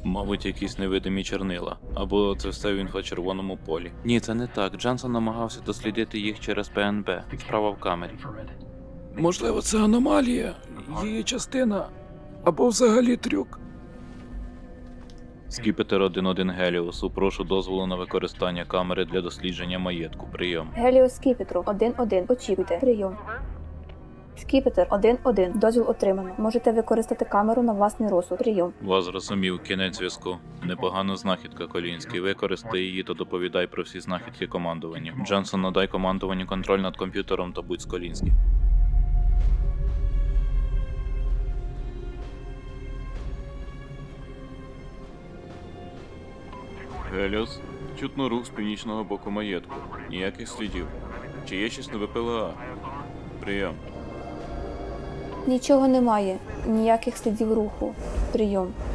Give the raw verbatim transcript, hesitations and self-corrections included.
Мабуть, якісь невидимі чорнила. Або це все в інфрачервоному полі. Ні, це не так. Джансон намагався дослідити їх через П Н Б. Справа в камері. Можливо, це аномалія, її частина, або взагалі трюк. Скіпетр один один Геліусу, прошу дозволу на використання камери для дослідження маєтку. Прийом. Геліос Скіпетру один один. Очікуйте. Прийом. Скіпетр один один. Дозвіл отримано. Можете використати камеру на власний розсуд. Прийом. Вас зрозумів, кінець зв'язку. Непогана знахідка, Колінський. Використай її та доповідай про всі знахідки командуванню. Джансон, надай командуванню контроль над комп'ютером та будь з Колінський. Геліос, чутно рух з північного боку маєтку. Ніяких слідів. Чи є щось на Б П Л А? Прийом. Нічого немає. Ніяких слідів руху. Прийом.